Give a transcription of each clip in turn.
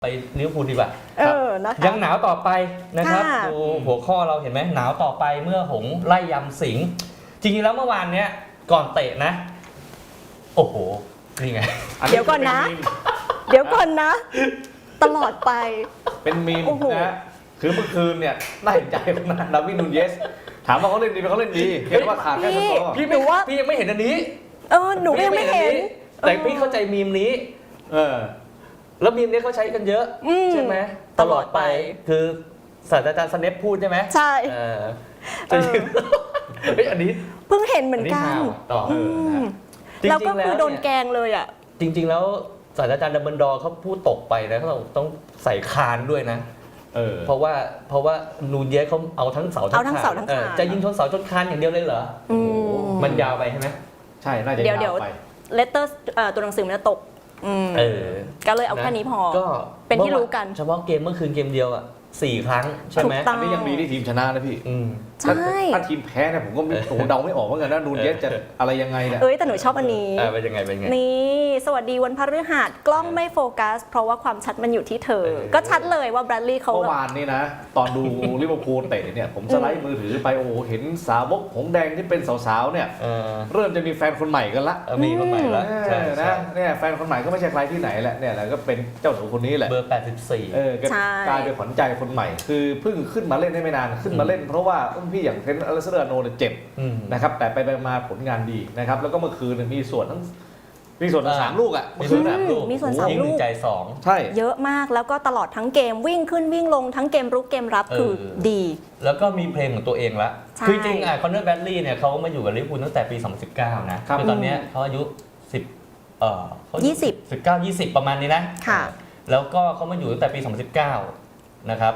ไปลิเวอร์พูลดีกว่านะคะยังหนาวต่อไปนะครับดูหัวข้อเราเห็นไหมหนาวต่อไปเมื่อหงส์ไล่ยำสิงห์จริงๆแล้วเมื่อวานเนี้ยก่อนเตะนะโอ้โหนี่ไงเดี๋ยวก่อนนะเดี๋ยวก่อนนะตลอดไปเป็นมีมนะคือเมื่อคืนเนี่ยน่าเห็นใจมากดาร์วินนูนเยสถามว่าเขาเล่นดีไหมเขาเล่นดีเห็นว่าขาดแค่สกอร์พี่ยังไม่เห็นอันนี้หนูยังไม่เห็นแต่พี่เข้าใจมีมนี้แล้วมีมนี้เขาใช้กันเยอะใช่ไหมตลอดไปคือศาสตราจารย์สเนปพูดใช่ไหมใช่อันนี้เพิ่งเห็นเหมือนกันต่อแล้วก็คือโดนแกงเลยอ่ะจริงๆแล้วศาสตราจารย์ดัมเบิลดอร์เขาพูดตกไปนะเขาต้องใส่คานด้วยนะเพราะว่านูนเยสเขาเอาทั้งเสาทั้งคานจะยิงชนเสาชนคานอย่างเดียวเลยเหรอมันยาวไปใช่ไหมใช่น่าจะยาวไปเลตเตอร์ตัวหนังสือมันจะตกก็เลยเอาแค่นี้พอก็เป็นที่รู้กันเฉพาะเกมเมื่อคืนเกมเดียวอ่ะ4 ครั้งใช่ไหมอันนี้ยังมีที่ทีมชนะนะพี่ใช่ถ้าทีมแพ้เนี่ยผมก็เดาไม่ออกว่าไงนะนูนเยสจะอะไรยังไงเนี่ยแต่หนูชอบอันนี้เป็นยังไงนี่สวัสดีวันพฤหัสกล้องไม่โฟกัสเพราะว่าความชัดมันอยู่ที่เธอก็ชัดเลยว่าแบรดลีย์เขาเมื่อวานนี้นะตอนดูลิเวอร์พูลเตะเนี่ยผมสไลด์มือถือไปโอ้เห็นสาวกหงแดงที่เป็นสาวๆเนี่ยเริ่มจะมีแฟนคนใหม่กันละมีคนใหม่แล้วใช่นะเนี่ยแฟนคนใหม่ก็ไม่ใช่ใครที่ไหนแหละเนี่ยแหละก็เป็นเจ้าหนูคนนี้แหละเบอร์84 กลายเป็นขวัญใจคนใหม่คือเพิ่งขึ้นมาเล่นได้ไม่นานขึ้นมาเล่นเพราะว่าพี่อย่างเทนต์อเลสซานโดเจ็บนะครับแต่ไปมาผลงานดีนะครับแล้วก็เมื่อคืนมีส่วนทั้ง3 ลูกอ่ะมีส่วน3 ลูกใจ 2ใช่เยอะมากแล้วก็ตลอดทั้งเกมวิ่งขึ้นวิ่งลงทั้งเกมรุกเกมรับคือดีแล้วก็มีเพลงของตัวเองละคือจริงคอนเนอร์แบดลีย์เนี่ยเขามาอยู่กับลิเวอร์พูลตั้งแต่ปี2019นะคือตอนนี้เขาอายุ19-20ประมาณนี้นะแล้วก็เขามาอยู่ตั้งแต่ปี2019นะครับ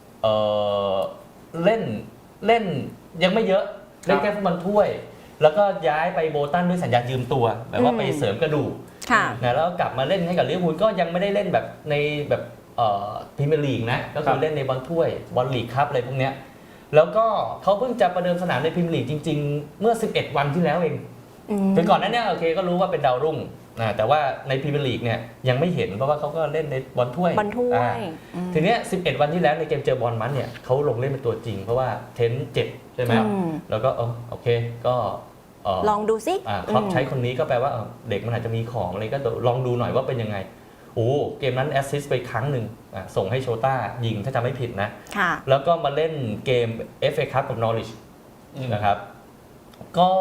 เล่นยังไม่เยอะเล่นแค่ฟุตบอลถ้วยแล้วก็ย้ายไปโบตันด้วยสัญญายืมตัวแบบว่าไปเสริมกระดูกนะแล้วกลับมาเล่นให้กับลิเวอร์พูลก็ยังไม่ได้เล่นแบบในแบบพรีเมียร์ลีกนะก็คือเล่นในบอลถ้วยบอลลีกคัพอะไรพวกเนี้ยแล้วก็เขาเพิ่งจะประเดิมสนามในพรีเมียร์ลีกจริงๆเมื่อ11 วันที่แล้วเองคือก่อนหน้านี้โอเคก็รู้ว่าเป็นดาวรุ่งแต่ว่าในพรีเมียร์ลีกเนี่ยยังไม่เห็นเพราะว่าเขาก็เล่นในบอลถ้วยทีนี้11 วันที่แล้วในเกมเจอบอลมันเนี่ยเขาลงเล่นเป็นตัวจริงเพราะว่าเทนต์เจ็บใช่ไหมแล้วก็โอเคก็ลองดูสิเขาใช้คนนี้ก็แปลว่าเด็กมันอาจจะมีของอะไรก็ลองดูหน่อยว่าเป็นยังไงโอ้เกมนั้นแอสซิสต์ไปครั้งหนึ่งส่งให้โชต้ายิงถ้าจำไม่ผิดนะแล้วก็มาเล่นเกม FA Cup กับนอริชนะครับก็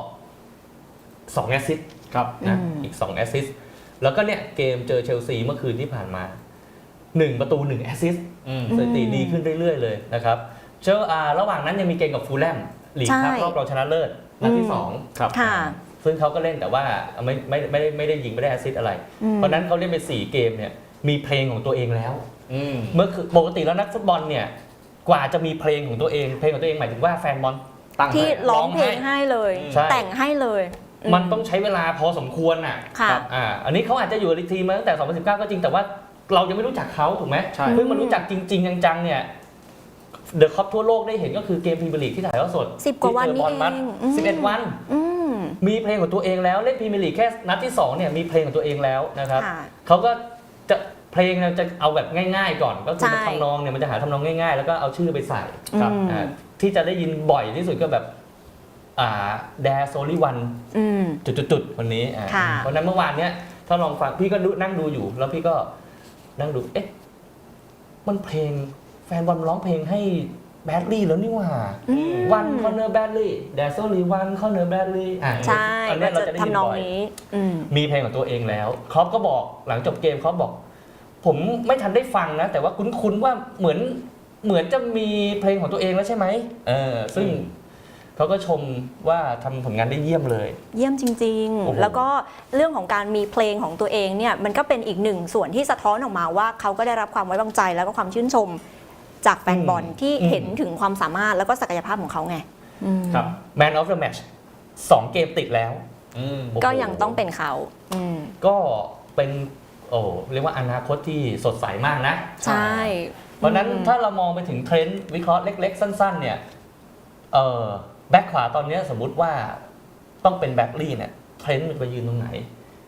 2 แอสซิสต์ครับนะอีก2 แอสซิสต์แล้วก็เนี่ยเกมเจอเชลซีเมื่อคืนที่ผ่านมา1 ประตู 1 แอสซิสต์สถิติดีขึ้นเรื่อยๆเลยนะครับระหว่างนั้นยังมีเกมกับฟูลแลมลีกคัพรอบรองชนะเลิศนัดที่2ครับซึ่งเขาก็เล่นแต่ว่าไม่ได้ยิงไม่ได้แอสซิสต์อะไรเพราะนั้นเขาเล่นไป4 เกมเนี่ยมีเพลงของตัวเองแล้วเมื่อปกติแล้วนักฟุตบอลเนี่ยกว่าจะมีเพลงของตัวเองหมายถึงว่าแฟนบอลที่ร้องเพลงให้เลยแต่งให้เลยมันต้องใช้เวลาพอสมควรอ่ะอันนี้เขาอาจจะอยู่ในทีมมาตั้งแต่2019ก็จริงแต่ว่าเรายังไม่รู้จักเขาถูกไหมเพิ่งมารู้จักจริงๆจังๆเนี่ยเดอะคัพทั่วโลกได้เห็นก็คือเกมพรีเมียร์ลีกที่ถ่ายทอดสด 10 กว่าวันนี้เอง 11 วันมีเพลงของตัวเองแล้วเล่นพรีเมียร์ลีกแค่นัดที่2เนี่ยมีเพลงของตัวเองแล้วนะครับเขาก็จะเพลงจะเอาแบบง่ายๆก่อนก็คือทำนองเนี่ยมันจะหาทำนองง่ายๆแล้วก็เอาชื่อไปใส่ที่จะได้ยินบ่อยที่สุดก็แบบแดโซลิวันจุดๆวันนี้เพราะนั้นเมื่อวานเนี้ยถ้าลองฟังพี่ก็นั่งดูอยู่แล้วพี่ก็นั่งดูมันเพลงแฟนบอลร้องเพลงให้แบดลี่แล้วนี่ว่าวันคอนเนอร์แบดลี่แดโซลิวันคอนเนอร์แบดลี่ใช่ตอนนี้เราจะได้ยินบ่อยมีเพลงของตัวเองแล้วครอปก็บอกหลังจบเกมครอปบอกผมไม่ทันได้ฟังนะแต่ว่าคุ้นๆว่าเหมือนจะมีเพลงของตัวเองแล้วใช่ไหมซึ่งเขาก็ชมว่าทำผลงานได้เยี่ยมเลยเยี่ยมจริงๆแล้วก็เรื่องของการมีเพลงของตัวเองเนี่ยมันก็เป็นอีกหนึ่งส่วนที่สะท้อนออกมาว่าเขาก็ได้รับความไว้วางใจแล้วก็ความชื่นชมจากแฟนบอลที่เห็นถึงความสามารถแล้วก็ศักยภาพของเขาไงครับ Man of the Match 2 เกมติดแล้วก็ยังต้องเป็นเขาก็เป็นเรียกว่าอนาคตที่สดใสมากนะใช่เพราะนั้นถ้าเรามองไปถึงเทรนด์วิเคราะห์เล็กๆสั้นๆเนี่ยแบ็คขวาตอนนี้สมมุติว่าต้องเป็นแบ็คลี่เนี่ยเทรนด์มันไปยืนตรงไหน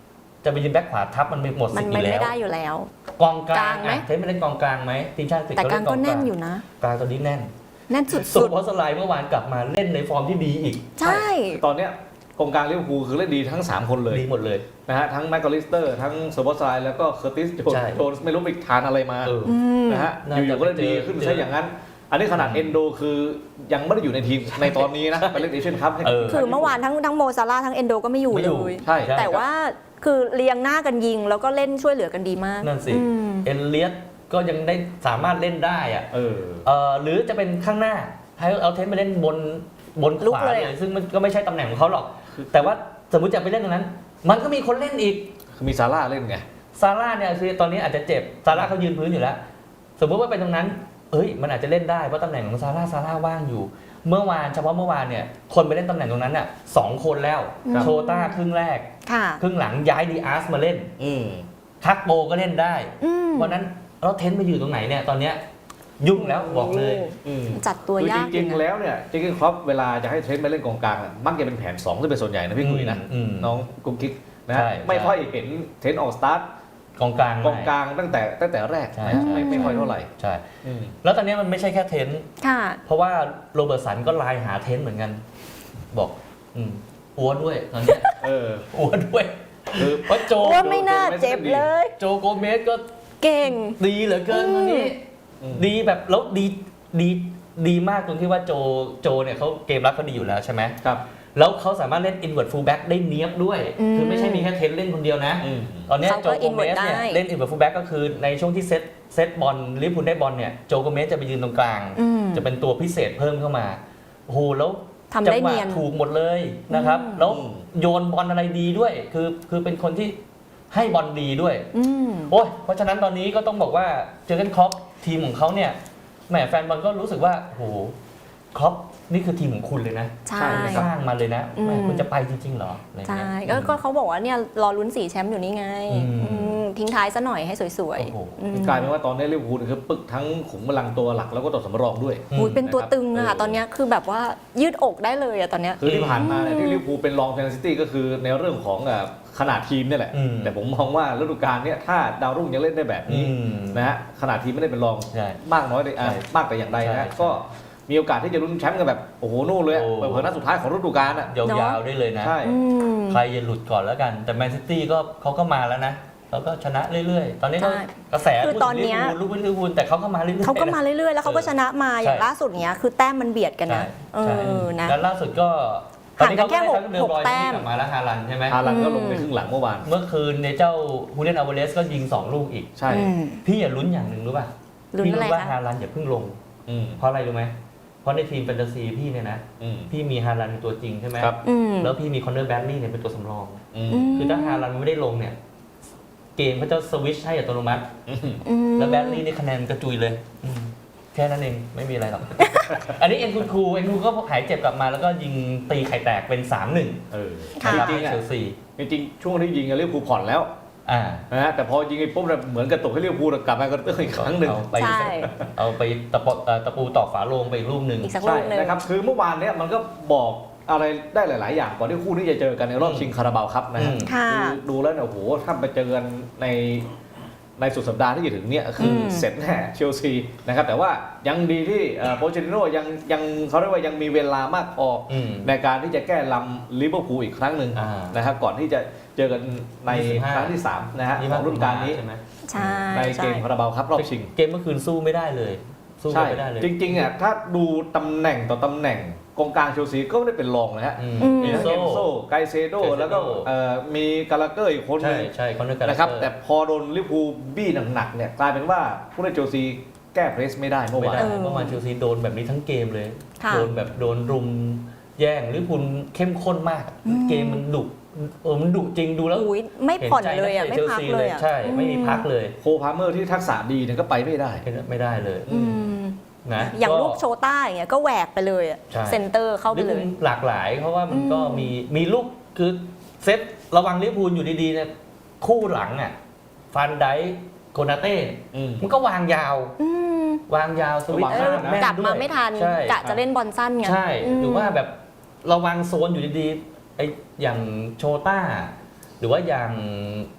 จะไปยืนแบ็คขวาทับมันหมดมัสินทธิ์อยู่ไม่แล้วได้อยู่แล้วกองกลางกลางไหมเทนไม่เล่นกองกลางไหมทีมชาติอังกฤษแต่เขากลางเล่นกก็องกแน่ลาน งอยู่นะกลางตอนนี้แน่นแน่นสุสุดดโพสไลน์เมื่อวานกลับมาเล่นในฟอร์มที่ดีอีกๆใช่ตอนเนี้ยกองกลางลิเวอร์พูลคือเล่นดีทั้ง 3 คนเลยดีหมดเลยนะฮะทั้งแมคคาลิสเตอร์ทั้งเซอร์บอสไลน์แล้วก็เคอร์ติสใช่โจนส์ไม่รู้ไปทานอะไรมาเออนะฮะน่าอจะยู่ๆก็เล่นดีขึ้นเจอใช่อย่างนั้น อันนี้ขนาดเอนโดคือยังไม่ได้อยู่ในทีมในตอนนี้นะไปเล่นเอเชียนคัพให้เออคือเมื่อวานทั้งโมซาร่าห์ทั้งเอนโดก็ไม่อยู่ไม่เลอยู่ยใช่แต่ว่าคือเรียงหน้ากันยิงแล้วก็เล่นช่วยเหลือกันดีมากนั่นสิอืมเอลเลียตก็ยังได้สามารถเล่นได้อะเออหรือจะเป็นข้างหน้าให้เอาเทนไปเล่นบนลุกขวาเลยเลยอะซึ่งมันก็ไม่ใช่ตำแหน่งของเขาหรอก แต่ว่าสมมติจะไปเล่นตรงนั้น มันก็มีคนเล่นอีกคือมีซาร่าเล่นไงซาร่าเนี่ยคือตอนนี้อาจจะเจ็บซาร่าเขายืนพื้นอยู่แล้ว สมมติว่าเป็นตรงนั้น มันอาจจะเล่นได้เพราะตำแหน่งของซาร่าว่างอยู่ เมื่อวานเฉพาะเมื่อวานเนี่ยคนไปเล่นตำแหน่งตรงนั้นน่ะ2 คนแล้วครับโชต้าครึ่งแรกค่ะครึ่งหลังย้ายดีอาร์สมาเล่นอืมทักโบก็เล่นได้อืมวันนั้นเราเทนไปอยู่ตรงไหนเนี่ยตอนเนี้ยยุ่งแล้วบอกเลยอืมจัดตัวคือยากจริงอยู่ๆนะแล้วเนี่ยจริงๆครอปเวลาจะให้เทรนต์มาเล่นกองกลางอะมักจะเป็นแผน2ที่เป็นส่วนใหญ่นะพี่กุยนะอืมน้องกุ๊กกิ๊กนะใช่ไม่ค่อยเห็นเทรนต์ออกสตาร์ทกองกลางกองกลางตั้งแต่แรกใช่นะใช่ไม่ค่อยเท่าไหร่ใช่อืมแล้วตอนนี้มันไม่ใช่แค่เทนค่ะเพราะว่าโรเบิร์ตสันก็ไลน์หาเทนเหมือนกัน บอกอ้วนด้วยตอนเนี้ยเอออ้วนด้วยคือเพราะโจว่าไม่น่าเจ็บเลยโจโกเมสก็เก่งดีเหลือเกินตอนนี้อืมดีแบบแล้วดีมากตรงที่ว่าโจเนี่ยเขาเกมรับเขาดีอยู่แล้วใช่ไหมครับแล้วเขาสามารถเล่น invert fullback ได้เนี้ยบด้วยอืมคือไม่ใช่มีแค่เทนเล่นคนเดียวนะอืมตอนเนี้ยเขาโจก็โกเม invert สเนี่ยได้เล่น invert fullback ก็คือในช่วงที่เซตบอลลิเวอร์พูลได้บอลเนี่ยโจโกเมสจะไปยืนตรงกลางอืมจะเป็นตัวพิเศษเพิ่มเข้ามาโอ้โหแล้วทำจัได้หวะเนียนถูกหมดเลยนะครับอืมแล้วโยนบอลอะไรดีด้วย คือเป็นคนที่ให้บอลดีด้วยอืมโอ้ยเพราะฉะนั้นตอนนี้ก็ต้องบอกว่าเจอร์เกนคล็อปทีมของเขาเนี่ยแหมแฟนบอลก็รู้สึกว่าโอ้โหคล็อปนี่คือทีมของคุณเลยนะใช่สร้างมาเลยนะอืมแหมคุณจะไปจริงๆเหรออะไรใช่เงี้ยก็เขาบอกว่าเนี่ยรอลุ้น4แชมป์อยู่นี่ไงอืมอืมทิ้งท้ายซะหน่อยให้สวยโอ้โหๆอืมกลายเป็นว่าตอนนี้ลิเวอร์พูลคือปึกทั้งขุมกำลังตัวหลักแล้วก็ตัวสำรองด้วยอุ๊ยเป็นตัวตึงนะครับอะตอนเนี้ยคือแบบว่ายืดอกได้เลยอะตอนเนี้ยคือที่ผ่านมาเนี่ยที่ลิเวอร์พูลเป็นรองแมนซิตี้ก็คือในเรื่องของขนาดทีมนี่แหละอืมแต่ผมมองว่าฤดูกาลเนี้ยถ้าดาวรุ่งยังเล่นได้แบบอืนี้มนะฮะขนาดทีมไม่ได้เป็นรองใช่มากน้อยเลยใช่มากแต่อย่างใดนะฮะใช่ก็มีโอกาสที่จะลุ้นแชมป์กันแบบโอ้โหนู่นเลยอะโอ้เปิดเผยนัดสุดท้ายของฤดูกาลอ่ะยาวๆได้เลยนะใช่อืมใครอย่าหลุดก่อนแล้วกัน แต่แมนซิตี้ก็เขาก็มาแล้วนะเขาก็ชนะเรื่อยๆ ตอนนี้ก็ใช่กระแสคือตอนเนี้ยลูกลิเวอร์พูลแต่เขาก็มาเรื่อยๆเขาก็มานะเรื่อยๆ แล้วเขาก็ชนะมาอย่างใช่ล่าสุดเนี้ยคือแต้มมันเบียดกันนะ เอใช่อนะแล้วล่าสุดก็ตอนนี้เขาก็ได้ห่างกันแค่ทั้งเดอร์บรอย 6แต้น์มที่กลับมาแล้วฮาลันด์ใช่ไหมฮาลันด์ก็อืมลงในครึ่งหลังเมื่อวานเมื่อคืนเนี่ยเจ้าฮูเลียนอัลวาเรสก็ยิง2 ลูกอีกใช่อืมพี่อย่าลุ้นอย่างหนึ่งรู้ป่ะลุ้นพี่อะไรว่าคะฮาลันด์อย่าเพิ่งลงอืมเพราะอะไรรู้ไหมเพราะในทีมแฟนตาซีพี่เนี่ยนะอืมพี่มีฮาลันด์เป็นตัวจริงใช่ไหมครับอืมแล้วพี่มีคอนเนอร์แบดลี่เนี่ยเป็นตัวสำรองอืมคือถ้าฮาลันด์ไม่ได้ลงเนี่ยเกมเขาจะสวิตช์ให้อัตโนมัติอืมอืมแล้วแบดลี่นี่คะแนนกระจุยเลยแค่นั้นเองไม่มีอะไรหรอก อันนี้เอ็นคูก็หายเจ็บกลับมาแล้วก็ยิงตีไข่แตกเป็น 3-1 เออค่ะจริงๆเชอ่ะลซีจริงๆช่วงที่ยิงอะลิเวอร์พูลผ่อนแล้วอ่านะฮะแต่พอยิงไอ้ปุ๊บเนี่ยเหมือนกระตุกให้ลิเวอร์พูลกลับมากระตุ้นอีกครั้งหนึ่งเอาไปใช่เอาไปตะปูตอกฝาโลงไปอีกลูกหนึ่งอีกสักลูใช่กหนึ่งนะครับคือเมื่อวานเนี้ยมันก็บอกอะไรได้หลาย ๆ อย่างก่อนที่คู่นี้จะเจอกันในรอบชิงคาราบาวครับนะฮะค่ะคือดูแล้วเนี่ยโอ้โหถ้าไปเจอกันในสุดสัปดาห์ที่จะถึงเนี่ยคืออมเสร็จแน่เชลซีนะครับแต่ว่ายังดีที่โปเชติโน่ยังเขาเรียกว่ายังมีเวลามากพออืมในการที่จะแก้ลำลิเวอร์พูลอีกครั้งหนึ่งอ่านะครับก่อนที่จะเจอกันใน 25 ครั้งที่ 3 นะฮะของฤดูกาลนี้ใช่ไหมใช่ในเกใช่มคาราบาวครับรอบชิงเกมเมื่อคืนสู้ไม่ได้เลย สู้ใช่ไม่ได้เลยจริงๆอ่ะถ้าดูตำแหน่งต่อตำแหน่งกองกลางเชลซีก็ไม่ได้เป็นรองนะฮะอืมอืมมีทั้งเอนโซไกเซโดไกเซโดแล้วก็มีกาลาเกอร์อีกคนหใช่นึงใช่คอนเนอร์กันนะครับแต่พอโดนลิเวอร์พูลบี้หนักๆเนี่ยกลายเป็นว่าผู้เล่นเชลซีแก้เพรสไม่ได้เมื่อไม่วานได้เออเมื่อวานเชลซีโดนแบบนี้ทั้งเกมเลยค่ะโดนแบบโดนรุมแย่งหรือคุณเข้มข้นมาก เกมมันดุมันดุจริงดูแล้วอุ้ยไม่ผ่อนห็ใจเลยอ่ะนัไม่ตพักชเลยอ่ะใช่ ไม่มีพักเลยโคพาเมอร์ที่ทักษะดีเนี่ยก็ไปไม่ได้ไม่ได้เลยอืมนะอย่างลูกโชต้าอย่างเงี้ยก็แหวกไปเลยอะใช่เซนเตอร์เข้าไปลิเวอเลร์ยพูลหลากหลายเพราะว่ามันก็อืมมีลูกคือเซตระวังลิเวอร์พูลอยู่ดีๆเนี่ยคู่หลังอ่ะฟันไดค์โกนาเต้อืมมันก็วางยาวอืมวางยาวสวิตวางช์สั้ข้ามนะแม่นกลับมาด้วยไม่ทันใช่กะจะเล่นบอลสั้นไงใช่มหรือว่าแบบระวังโซนอยู่ดีๆไออย่างโชต้า หรือว่าอย่าง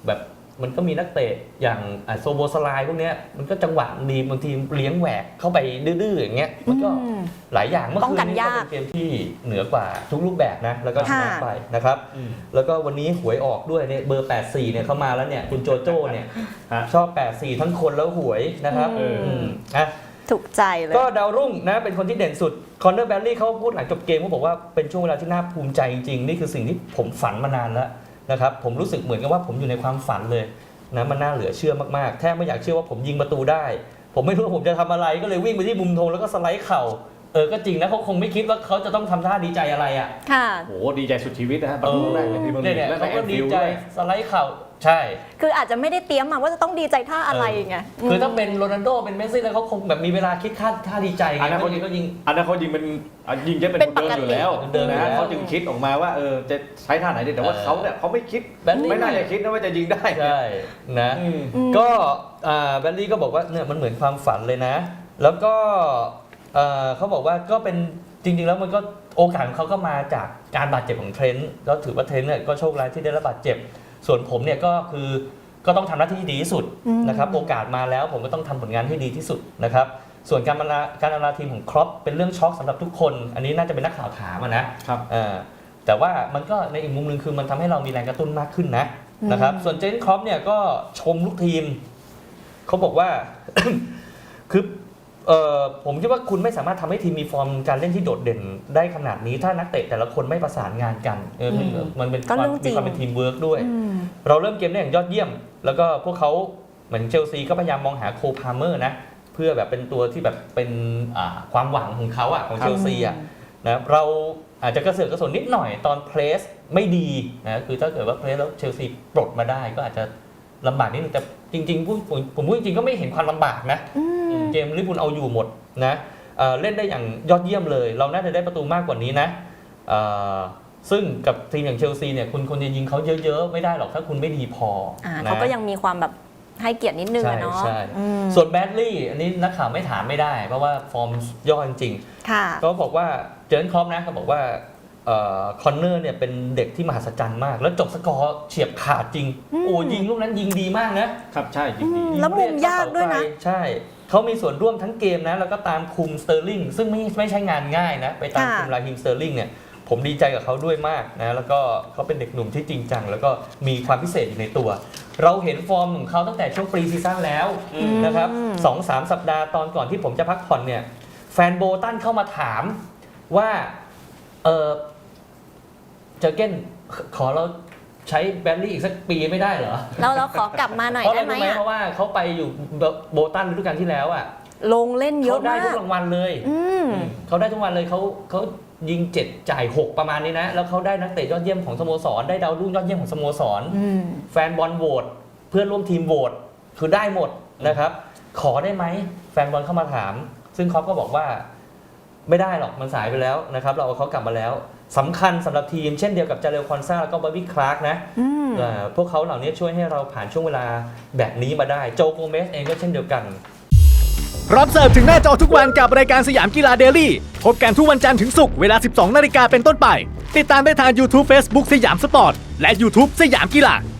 แบบมันก็มีนักเตะอย่างโซโบสไลพวกเนี้ยมันก็จังหวะดีบางทีเลี้ยงแหวกเข้าไปดื้อๆอย่างเงี้ยมันก็หลายอย่างเมื่อคืนนี้ก็เป็นเกมที่เหนือกว่าทุกรูปแบบนะแล้วก็ชนะไปนะครับแล้วก็วันนี้หวยออกด้วยเนี่ยเบอร์84เนี่ยเข้ามาแล้วเนี่ยคุณโจโจ้เนี่ยชอบ84ทั้งคนแล้วหวยนะครับถูกใจเลยก็ดาวรุ่งนะเป็นคนที่เด่นสุดคอนเนอร์แบลลี่เขาพูดหลังจบเกมเขาบอกว่าเป็นช่วงเวลาที่น่าภูมิใจจริงๆนี่คือสิ่งที่ผมฝันมานานแล้วนะครับผมรู้สึกเหมือนกับว่าผมอยู่ในความฝันเลยนะมันน่าเหลือเชื่อมากๆแทบไม่อยากเชื่อว่าผมยิงประตูได้ผมไม่รู้ว่าผมจะทำอะไรก็เลยวิ่งไปที่มุมธงแล้วก็สไลด์เข่าก็จริงนะเขาคงไม่คิดว่าเขาจะต้องทำท่าดีใจอะไรอ่ะค่ะโอ้ดีใจสุดชีวิตนะฮะประตูแรกในพรีเมียร์ลีกแล้วก็ดีใจสไลด์เข่าใช่คืออาจจะไม่ได้เตรียมมาว่าจะต้องดีใจท่าอะไรไงคือถ้าเป็นโรนัลโดเป็นเมสซี่แล้วเขาคงแบบมีเวลาคิดท่าดีใจไงอันนั้นเขายิงยิงจะเป็นคนเดิมอยู่แล้วนะเขาจึงคิดออกมาว่าจะใช้ท่าไหนดีแต่ว่าเขาเนี่ยเขาไม่คิดไม่น่าจะคิดนะว่าจะยิงได้ใช่นะก็แบลลี่ก็บอกว่าเนี่ยมันเหมือนความฝันเลยนะแล้วก็เขาบอกว่าก็เป็นจริงๆแล้วมันก็โอกาสของเขาก็มาจากการบาดเจ็บของเทรนต์ก็ถือว่าเทรนต์เนี่ยก็โชคร้ายที่ได้รับบาดเจ็บส่วนผมเนี่ยก็ต้องทำหน้าที่ที่ดีที่สุดนะครับโอกาสมาแล้วผมก็ต้องทำผลงานให้ดีที่สุดนะครับส่วนการอำลาทีมของครอปเป็นเรื่องช็อกสำหรับทุกคนอันนี้น่าจะเป็นนักข่าวถามนะครับแต่ว่ามันก็ในอีกมุมนึงคือมันทำให้เรามีแรงกระตุ้นมากขึ้นนะครับส่วนเจนครอปเนี่ยก็ชมลูกทีมเขาบอกว่า คือผมคิดว่าคุณไม่สามารถทำให้ทีมมีฟอร์มการเล่นที่โดดเด่นได้ขนาดนี้ถ้านักเตะแต่ละคนไม่ประสานงานกันมันเป็นมีความเป็นทีมเวิร์กด้วยเราเริ่มเกมได้อย่างยอดเยี่ยมแล้วก็พวกเขาเหมือนเชลซีก็พยายามมองหาโคพาเมอร์นะเพื่อแบบเป็นตัวที่แบบเป็นความหวังของเขาของเชลซีนะเราอาจจะกระเสือกกระสนนิดหน่อยตอนเพรสไม่ดีนะคือถ้าเกิดว่าเพรสแล้วเชลซีปลดมาได้ก็อาจจะลำบากนิดนึงแต่จริงๆผมพูดจริงๆก็ไม่เห็นความลำบากนะเกมลิเวอร์พูลเอาอยู่หมดนะเล่นได้อย่างยอดเยี่ยมเลยเราน่าจะได้ประตูมากกว่านี้นะซึ่งกับทีมอย่างเชลซีเนี่ยคุณจะยิงเขาเยอะๆไม่ได้หรอกถ้าคุณไม่ดีพอเขาก็ยังมีความแบบให้เกียรตินิดนึงเนาะส่วนแบดลี่อันนี้นักข่าวไม่ถามไม่ได้เพราะว่าฟอร์มยอดจริงๆก็บอกว่าเจอร์เกนคล็อปนะเขาบอกว่าคอนเนอร์เนี่ยเป็นเด็กที่มหัศจรรย์มากแล้วจบสกอร์เฉียบขาดจริงโอ้ยิงลูกนั้นยิงดีมากนะครับใช่ยิงดีแล้วมุมยากด้วยนะใช่เขามีส่วนร่วมทั้งเกมนะแล้วก็ตามคุมสเตอร์ลิงซึ่งไม่ใช่งานง่ายนะไปตามคุมราฮิมสเตอร์ลิงเนี่ยผมดีใจกับเขาด้วยมากนะแล้วก็เขาเป็นเด็กหนุ่มที่จริงจังแล้วก็มีความพิเศษอยู่ในตัวเราเห็นฟอร์มของเขาตั้งแต่ช่วงปรีซีซั่นแล้วนะครับ 2-3 สัปดาห์ตอนก่อนที่ผมจะพักผ่อนเนี่ยแฟนโบตันเข้ามาถามว่าเจอเก้นขอเราใช้แบลลี่อีกสักปีไม่ได้เหรอเราขอกลับมาหน่อยได้ไหมเพราะว่าเขาไปอยู่โบตันฤดูกาลที่แล้วลงเล่นเยอะมากเขาได้ทุกรางวัลเลยเขาได้ทุกวันเลยเขายิง7จ่าย6ประมาณนี้นะแล้วเขาได้นักเตะยอดเยี่ยมของสโมสรได้ดาวรุ่งยอดเยี่ยมของสโมสรแฟนบอลโหวตเพื่อนร่วมทีมโหวตคือได้หมดนะครับขอได้ไหมแฟนบอลเข้ามาถามซึ่งครอปก็บอกว่าไม่ได้หรอกมันสายไปแล้วนะครับเราเอาเขากลับมาแล้วสำคัญสำหรับทีมเช่นเดียวกับจาเรลคอนซาแล้วก็บอบบี้คลาร์กนะพวกเขาเหล่านี้ช่วยให้เราผ่านช่วงเวลาแบบนี้มาได้โจโกเมสเองก็เช่นเดียวกันรับเสิร์ฟถึงหน้าจอทุกวันกับรายการสยามกีฬาเดลี่พบกันทุกวันจันทร์ถึงศุกร์เวลา 12 นาฬิกาเป็นต้นไปติดตามได้ทาง YouTube Facebook สยามสปอร์ตและ YouTube สยามกีฬา